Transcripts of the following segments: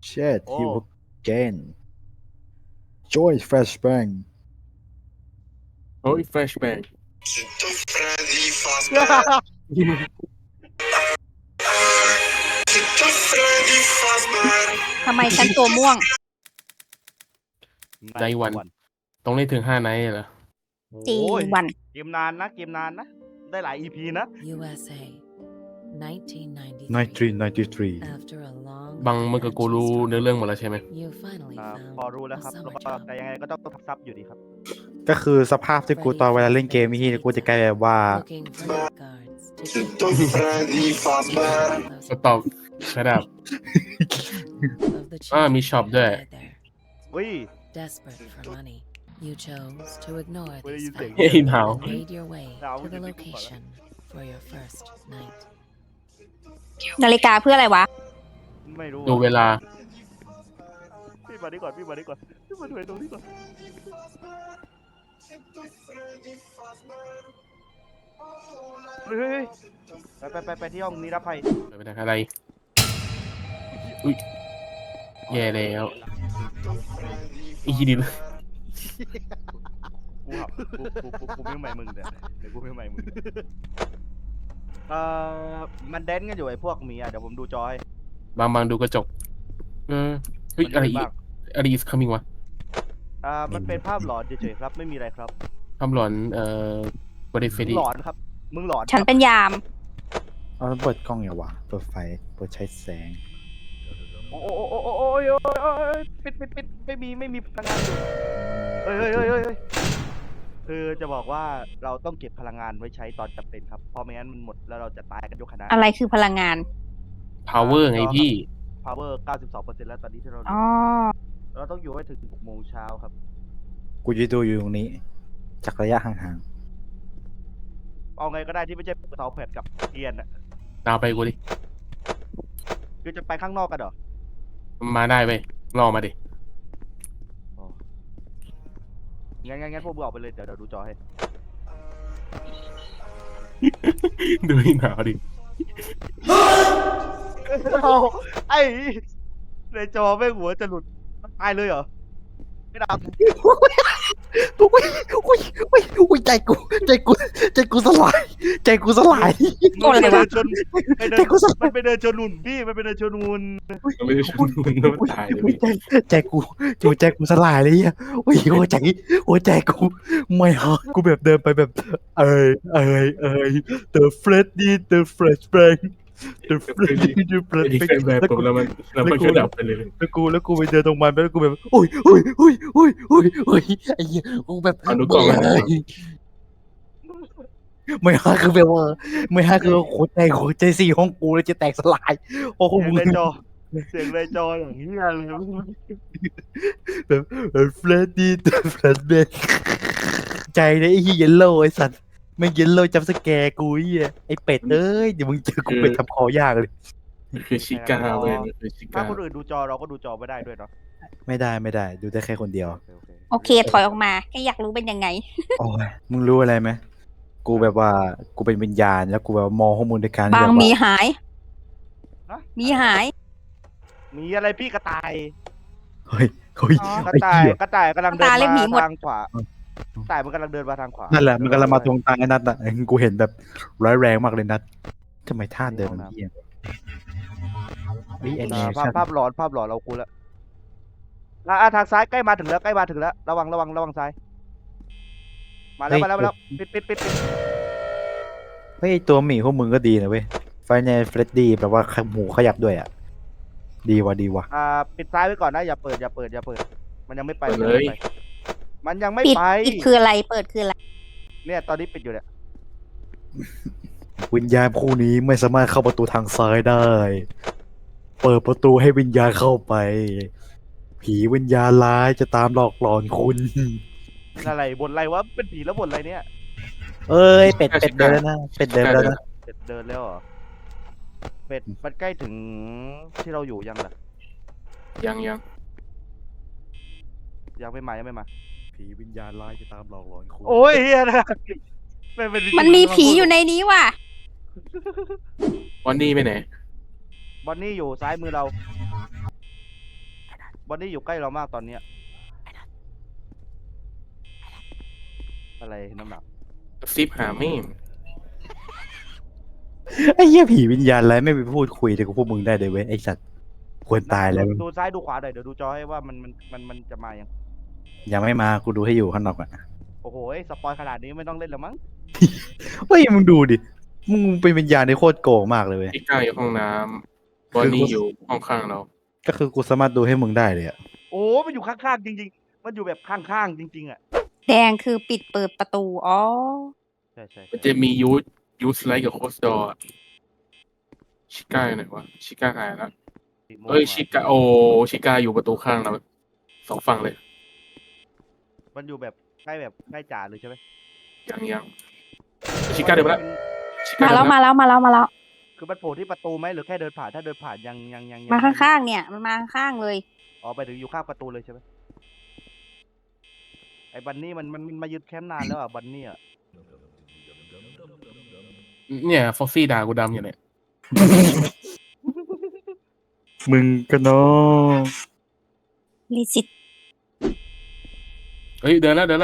Shit, โอ้ he will gain. Join Flashbang. โอ้ย flashback ทำไมฉันตัวม่วงในวันต้องเล่นถึง5 ไนท์เหรอจริงโอ้ยวันเกมนานนะเกมนานนะ ได้หลาย EP นะ USA 1993 1993. After a long บางมึงกับกูรู้เนื้อเรื่องหมดแล้วใช่ไหม you finally พอ found รู้แล้ว a ครับ summer แล้วก็ job แต่ยังไงก็ต้องทับซับอยู่ดีครับก็คือสภาพที่กูตอนเวลาเล่นเกมนี่กูจะกลายแบบว่า looking for guards to keep Stop shut up of the มีช็อปด้วย children there. อุ้ย Desperate for money, you chose to ignore What are these you facts thinking? Hey, now. and made your way Now, to what the do you think about location for your first night. นาฬิกาเพื่ออะไรวะไม่รู้ดูเวลาพี่มาดีก่อนพี่มาดีก่อนพี่มาดูไอ้ตรงนี้ก่อนเฮ้ยไปที่ห้องนิรภัยไปทางอะไร อุ้ยแย่แล้วอีกทีดินกูหับกูไม่ใหม่มึงเดี๋ยวกูไม่ใหม่มึงมันแดนกันอยู่ไอ้พวกหมีอ่ะเดี๋ยวผมดูจอให้บางดูกระจกเฮ้ยมันอะไรมีอีกบ้างอะไร is coming วะมันเป็นภาพหลอนเฉยๆครับไม่มีอะไรครับคำหลอนบริเฟมึดีงหลอนครับมึงหลอนฉันเป็นยามเอาเปิดกล้องอย่างวะเปิดไฟเปิดใช้แสงโอ้ยปิดไม่มีพลังงานอยู่เฮ้ยคือจะบอกว่าเราต้องเก็บพลังงานไว้ใช้ตอนจำเป็นครับเพราะไม่งั้นมันหมดแล้วเราจะตายกันยกคณะอะไรคือพลังงาน power ไงพี่ power 92%แล้วตอนนี้ที่เราอ๋อเราต้องอยู่ให้ถึง6 โมงเช้าครับกูจะดูอยู่ตรงนี้ จากระยะห่างเอาไงก็ได้ที่ไม่ใช่เสาแผดกับเทียนอ่ะดาวไปกูดิคือจะไปข้างนอกกันเหรอมาได้เว้ยรอมาดิงั้นพวกมึงออกไปเลยเดี๋ยวดูจอให้ดูให้หนาวดิเอาไอ้ในจอแม่งหัวจะหลุดตายเลยเหรอไม่ดับๆอุ้ยใจกูสลายใจกูสลายโกรธอะไรวะมันไปเดินชนหุ่นพี่มันไปเดินชนหุ่นไม่ได้ชุนน้ำตายเลยพี่ใจกูสลายเลยอ่ะโอ้ยหัวใจกูไม่ฮะกูแบบเดินไปแบบthe flashbang the ดีแฟนแบบผมแล้วมันก็ดับไปเลยแล้วกูไปเดินตรงมันแล้วกูแบบโอ้ยไอ้เหี้ยกูแบบเอาดูกล่องไม่ฮะคือแบบว่าไม่ฮะคือหัวใจสี่ห้องกูแล้วจะแตกสลายโอ้โหเสียงในจออย่างนี้เลยแบบเฟรดดี้แฟลชแบงใจเลยไอ้เหี้ยเยลโล่ไอ้สัตว์ไม่เยลโล่จับสแกร์กูไอ้เป็ดเอ้ยเดี๋ยวมึงเจอกูเป็ดทำคอยากเลยคือชิก้าเว้ยคือชิถ้าก้าคนอื่นดูจอเราก็ดูจอไม่ได้ด้วยเนาะไม่ได้ดูได้แค่คนเดียวโอเค ถอยออกมาแค่อยากรู้เป็นยังไงโอ้ยมึงรู้อะไรไหมกูแบบว่ากูเป็นวิญญาณแล้วกูแบบมองข้อมูลในการบางแบบมีว่าหายฮะมีหายมีอะไรพี่กระต่ายเฮ้ยอ๋อกระไอ้ต่ายเหี้ยกระต่ายกำลังเดินกระต่ายเล่นผีมาหมดทางขวากระต่ายมันกำลังเดินมาทางขวานั่นแหละมันกำลังมาตรงทางไอ้นัทอ่ะกูเห็นแบบร้ายแรงมากเลยนัททำไมท่าเดินมันเหี้ยเฮ้ยแอนิเมชั่นภาพหลอนเรากูแล้วทางซ้ายใกล้มาถึงแล้วระวังซ้ายมาแล้วปิดเฮ้ยตัวหมีพวกมึงก็ดีนะเว้ยไฟในเฟรดดี้แบบว่าหมูขยับด้วยอ่ะดีว่ะปิดซ้ายไว้ก่อนนะอย่าเปิดมันยังไม่ไปมันยังไม่ปิดไปปิดคืออะไร เปิดคืออะไรเนี่ยตอนนี้ปิดอยู่เนี่ยวิญญาณคู่นี้ไม่สามารถเข้าประตูทางซ้ายได้ เปิดประตูให้วิญญาณเข้าไป ผีวิญญาณร้ายจะตามหลอกหลอนคุณอะไรบ่นอะไรวะเป็นผีแล้วบ่นอะไรเนี่ยเอ้ยเป็ดเดินแล้วนะเป็ดเดินแล้วนะเป็ดเดินแล้วเหรอเป็ดมันใกล้ถึงที่เราอยู่ยังล่ะยังยังไม่มาผีวิญญาณร้ายจะตามหลอกหลอนคุณโอ้ยเฮียนะเป็นมันมีผีอยู่ในนี้ว่ะวันนี้ไปไหนบอนนี่อยู่ซ้ายมือเราบอนนี่อยู่ใกล้เรามากตอนเนี้ยอะไรน้ำหนักกระซิบหาไม่ไอ้เหี้ยผีวิญญาณอะไรไม่ไปพูดคุยกับพวกมึงได้เลยเว้ยไอ้สัตว์ควรตายแล้วดูซ้ายดูขวาหน่อยเดี๋ยวดูจอให้ว่ามันจะมายังยังไม่มากูดูให้อยู่ข้างนอกอ่ะโอ้โหสปอยขนาดนี้ไม่ต้องเล่นแล้วมั้งเฮ้ยมึงดูดิมึงเป็นวิญญาณที่โคตรโกงมากเลยเว้ยชิก้าอยู่ห้องน้ำบอนนี่อยู่ห้องข้างเราก็คือกูสามารถดูให้มึงได้เลยอะโอ้มันอยู่ข้างๆจริงๆมันอยู่แบบข้างๆจริงๆอ่ะแดงคือปิดเปิดประตู อ๋อใช่ใช่มันจะมียูสไลท์กับโคสดอร์ชิก้าอยู่ไหนวะชิก้าหายแล้วเอ้ยชิก้าโอ้ชิก้าอยู่ประตูข้างเราสองฝั่งเลยมันอยู่แบบใกล้จ่าเลยใช่ไหมยังชิก้าเดินมาแล้วชิก้ามาเดิแล้วนมามาแล้วแล้วมาแล้วมาแล้วคือมันโผล่ที่ประตูไหมหรือแค่เดินผ่านถ้าเดินผ่านยังมาข้างๆเนี่ยมันมาข้างๆเลยอ๋อไปถึงอยู่ข้างประตูเลยใช่ไหมไอ้บันนี่มันมายึดแคมป์นานแล้วอ่ะบันนี่อ่ะเนี่ยฟ็อกซี่ด่ากูดำอยู่เนี่ยมึงก็เนาะลิซิตเฮ้ยเดินแล้วเนี่ย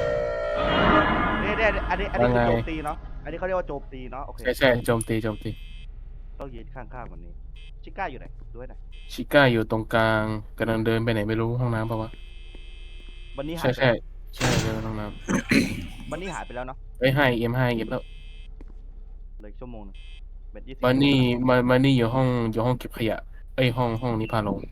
อันนี้คือว่าไงโจมตีเนาะอันนี้เขาเรียกว่าโจมตีเนาะโอเคใช่โจมตีต้องยืนข้างๆวันนี้ชิก้าอยู่ไหนด้วยหน่อยชิก้าอยู่ตรงกลางกำลังเดินไปไหนไม่รู้ห้องน้ำปะวะบันนี่หาใช่ยไปเดินห้องน้บันนี่หายไปแล้วเนาะำเอ้ยให้เอ็มแล้วเหลยชั่วโมงนึงเป็น20 มันนี่อยู่ห้องเก็บขยะเอ้ยห้องนี้พาลง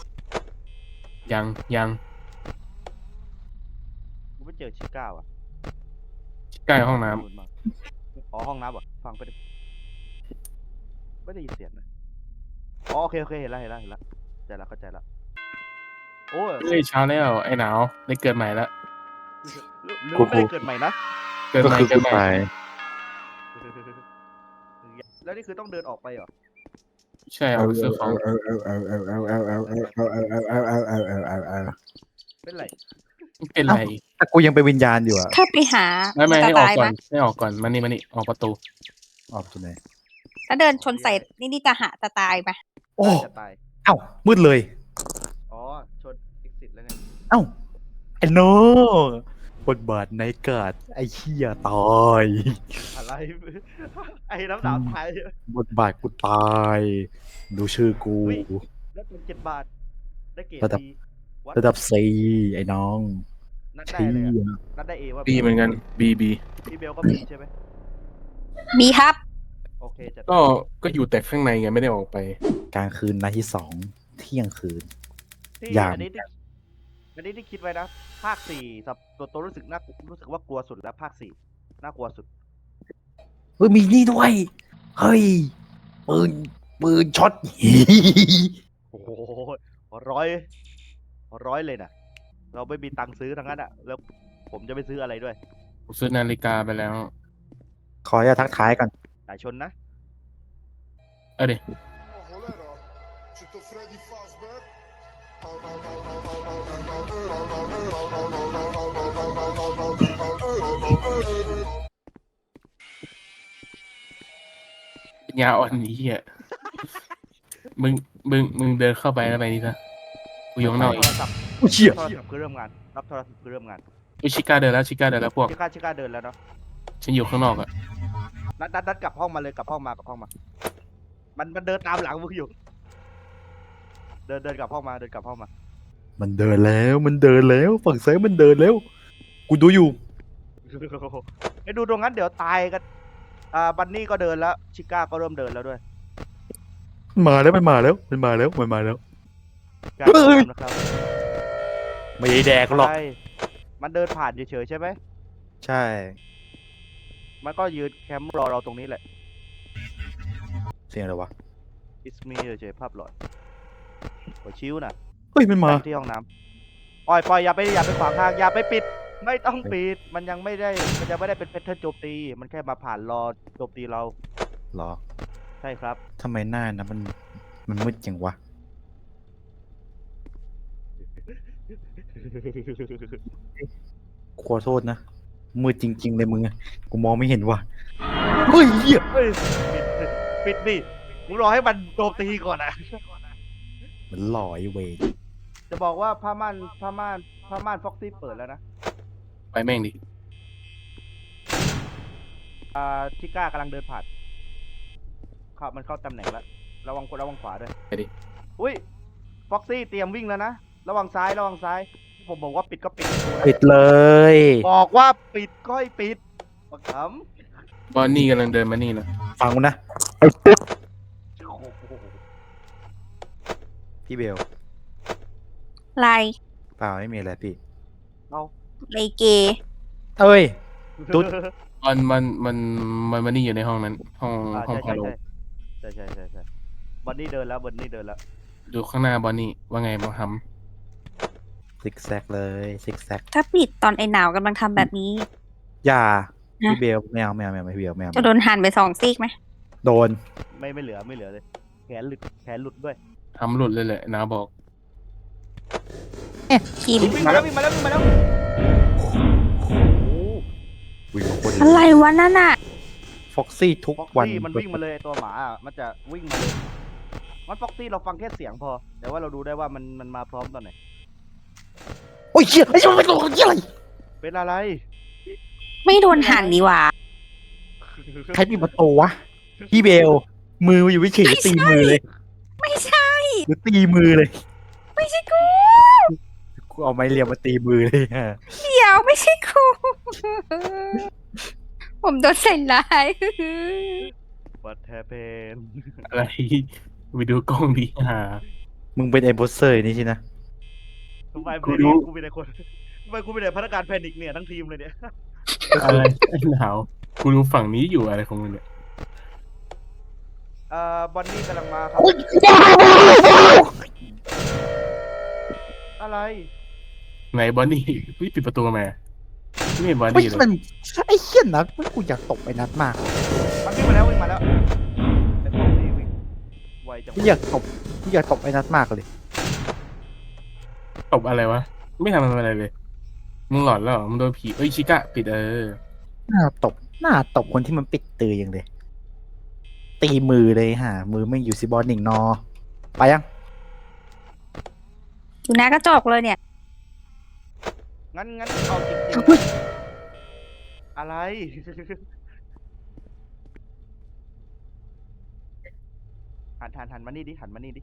ยังกูไม่เจอชิก้าว่ะชิก้าอยู่ห้องน้อ๋อห้องน้ำเหรอฟังไปดิไม่ได้ยินเสียงนะอ๋อโอเคเห็นแล้วเข้าใจแล้วโอ้ยำเฮ้ยเช้าแล้วไอ้หนาวได้เกิดใหม่แล้วหรือว่าไม่ได้เกิดใหม่นะเกิดก็ใหม่คือเกิกูดใหม่ตายแล้วนี่คือต้องเดินออกไปเหรอใช่เอาไปซื้อของเป็นไรเป็นไรแต่กูยังเป็นวิญญาณอยู่อะถ้าไปหาไม่จะให้ออกตายก่อไหมนให้ออกก่อนมานี่ออกประตูออกจากไหนถ้าเดินชนใส่นี่จะหาจะตายไหมโอ้จะตายเอ้ามืดเลยอ๋อชน exit แล้วไงเอ้าไอ้โนบทบาทในกาดไอ้เหี้ยตายอะไร ไอ้น้ำหนาวไทยบทบาทกูตาย ดูชื่อกูอุ๊ย แล้วเป็น7 บาท ได้เกรดระดับดีวัดระดับซีไอ้น้องนัดได้เชี่เลยอะยนัดได้เอว่าบีเหมือนกันบีพี่เบลก็มีใช่ไหมมีครับโอเคจะก็อยู่แต่ข้างในไงไม่ได้ออกไปกลางคืนนัดที่2 เที่ยงคืนที่ยามอันนี้ที่คิดไว้นะ ภาค4สับตัวรู้สึกว่ากลัวสุดแล้วภาค4น่ากลัวสุดเฮ้ยมีนี่ด้วย เฮ้ยปืนช็อตโอ้โหร้อยเลยนะเราไม่มีตังค์ซื้อทั้งนั้นอะแล้วผมจะไปซื้ออะไรด้วยผมซื้อนาฬิกาไปแล้วขออย่าตทักทายก่อนสายชนนะเอาดิ Rolera, czy to Freddy Fazbear? ปัญญาอ่อนนี้เหี้ยมึงเดินเข้าไปแล้วไปนี่ซะกูอยู่ข้างนอกโทอีกรศัพท์อุ้ยเชี่ยโทรศัพท์คือเริ่มงาน รับโทรศัพท์คือเริ่มงานชิก้าเดินแล้วพวกชิก้าเดินแล้วเนาะฉันอยู่ข้างนอกอะนัดกลับห้องมาเลยกลับห้องมา มันเดินตามหลังมึงอยู่ เดินกลับห้องมามันเดินแล้วฝั่งซ้ายมันเดินแล้ว กูดูอยู่ไอ้ดูตรงนั้นเดี๋ยวตายกัน บันนี่ก็เดินแล้ว ชิก้าก็เริ่มเดินแล้วด้วยมันมาแล้วชิก้าเฮ้ยเดินนะครับไม่ได้แดกหรอกใช่มันเดินผ่านเฉยๆใช่ไหมใช่มันก็ยืนแคมป์รอเราตรงนี้แหละเสียงอะไรวะ It's me เฉยๆภาพหลอดหัวชิวนะเฮ้ยมันมาไปที่ห้องน้ำปล่อยอย่าไปขวางทางอย่าไปปิด ไม่ต้องปิด มันยังไม่ได้เป็นแพทเทิร์นโจมตี มันแค่มาผ่านรอโจมตีเราเหรอใช่ครับทำไมหน้านะมันมืดจังวะ ขอโทษนะ มืดจริง ๆ เลยมึงอะกูมองไม่เห็นว่ะ เฮ้ยเหี้ยเฮ้ยปิดดิมึงรอให้มันโจมตีก่อนนะมันหล่อไอ้เวรจะบอกว่าผ้าม่านฟ็อกซี่เปิดแล้วนะไปแม่งดิชิก้ากำลังเดินผ่านมันเข้าตำแหน่งแล้วระวังขวาด้วยไปดิอุ้ยฟ็อกซี่เตรียมวิ่งแล้วนะระวังซ้ายผมบอกว่าปิดก็ปิดปิดเลยบอกว่าปิดก็ให้ปิดบักขบอนนี่กำลังเดินมานี่นะฟังกูนะไอ้ตุ๊ดำโอ้โหพี่เบลลายเปล่าไม่มีอะไรพี่เลเกเอ้ย ตุ๊ดมันมานี่อยู่ในห้องนั้น ห้องใช่ฮาโลใช่บอนนี่เดินแล้วดูข้างหน้าบอนนี่ว่าไงบอฮัมซิกแซกเลยซิกแซกถ้าปิดตอนไอ้หนาวกำลังทำแบบนี้อย่าฮะพี่เบลไม่เอาพี่เบลไม่เอาจะโดนหั่นไป2 ซีกไหมโดนไม่เหลือเลยแขนหลุดด้วยทำหลุดเลยแหละนาบอกคิมวิ่งมาแล้ววิ่งมาคนอะไรวะนั่นน่ะฟ็อกซี่ทุกฟ็อกวันซี่มันวิ่งมาเลยตัวหมาอะมันจะวิ่งมาเลยมันฟ็อกซี่เราฟังแค่เสียงพอ แต่ว่าเราดูได้ว่ามันมาพร้อมตอนไหนโอ้ยเชี่ยไอ้ชั่วมันตัวเชี่ยอะไรเป็นอะไรไม่โดนหั่นนี่หว่าใครปิดประตูวะพี่เบล มืออยู่วิเฉยตีมือเลยไม่ใช่หรือตีมือเลยไม่ใช่กูกูเอาไม้เรียวมาตีมือเลยฮะเดี๋ยวไม่ใช่กู ผมโดนใส่ร้าย What happened อะไร ไปดูกล้องดีหามึงเป็นไอ้โบสเซอร์นี่ใช่นะทำไมกูรู้กูเป็นไอ้คนทำไมกูเป็นไอ้พนักงานแพนิคเนี่ยทั้งทีมเลยเนี่ยอะไรหนาวกูดูฝั่งนี้อยู่อะไรของมึงเนี่ยบอนนี่กำลังมาครับ อะไรไหนบอนนี่พี่ปิดประตูมาไม่เห็นบอนไม่นี่เลยมันไอ้เหี้ยนัดกูอยากตบไอ้นัดมากมันวิ่งมาแล้วแต่ฟ็อกซี่วิ่งไวจังกูอยากตบไอ้นัดมากเลยตบอะไรวะ ไม่ทำอะไรเลย มึงหลอนแล้วเหรอมึงโดนผีเอ้ยชิกะปิดหน้าตบคนที่มันปิดตืออย่างเลย ตีมือเลยฮะมือไม่อยู่ซิบอลหนิงนอ ไปยังอยู่หน้ากระจกเลยเนี่ยงั้นเอาจริงๆอะไร หันมานี่ดิ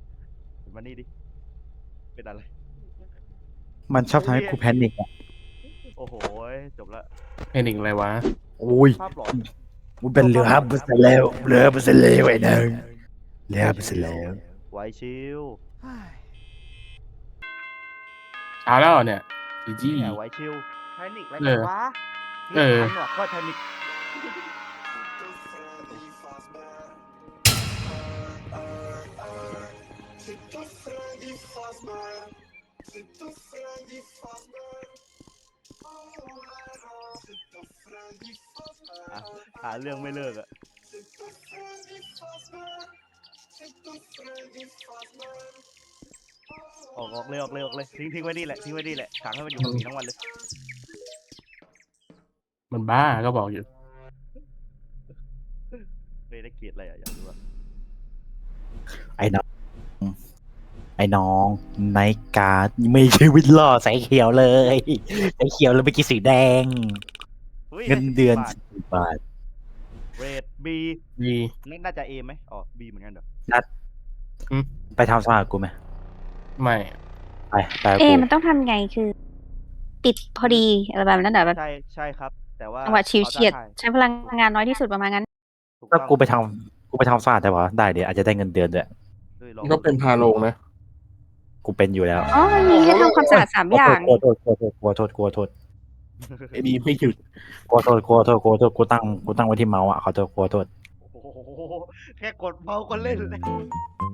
เป็นอะไรมันชอบทำให้กูแพนิคอ่ะโอ้โหจบละแพนิกอะไรวะโอ้ยภาพหลอนกูเป็นเหลือเปอร์เซ็นต์แล้วเหลือเปอร์เซ็นต์แล้วไอ้นางเหลือเปอร์เซ็นต์แล้วไวชิลเช้าแล้วเหรอเนี่ยจีจี้เนี่ยไวชิลแพนิคอะไรเอกันอวะเออหนวกก็แพนิค หาเรื่องไม่เลิกอะออกเลยทิ้งไว้นี่แหละขังให้มันอยู่กับผีทั้งวันเลยมันบ้าก็บอกอยู่เลยได้เกลียดอะไรอะอยากรู้อะไอ้น้องไนการ์ดไม่ชีวิตล่อใส่เขียวเลยใส่เขียวแล้วไปกินสีแดงฮ้ยเงินเดือน 10 10 บาทเรดบีดีน่าจะเอไหมอ๋อบีเหมือนกันเหรอไปทำสมัครกูไหมไม่ไปกับเอ๊ะกูมันต้องทำไงคือ ปิดพอดีอะไรแบบนั้นเหรอแบบใช่ครับ แต่ว่าจังหวะชิวเฉียดอาได้ใช้พลังงานน้อยที่สุดประมาณนั้นถูกก็ต้องกูไปทำสมัครได้ปะได้เดี๋ยวอาจจะได้เงินเดือนด้วยเฮ้ยลองก็เป็นพาโลงนะกูเป็นอยู่แล้วอ๋อมันมีให้ทำความสะอาด3 อย่างกลัวโทษกลัวโทษไอ้ดีไม่หยุดกูตั้งไว้ที่เมาส์อ่ะขอโทษโอ้โหแค่กดเมาส์ก็เล่นเลย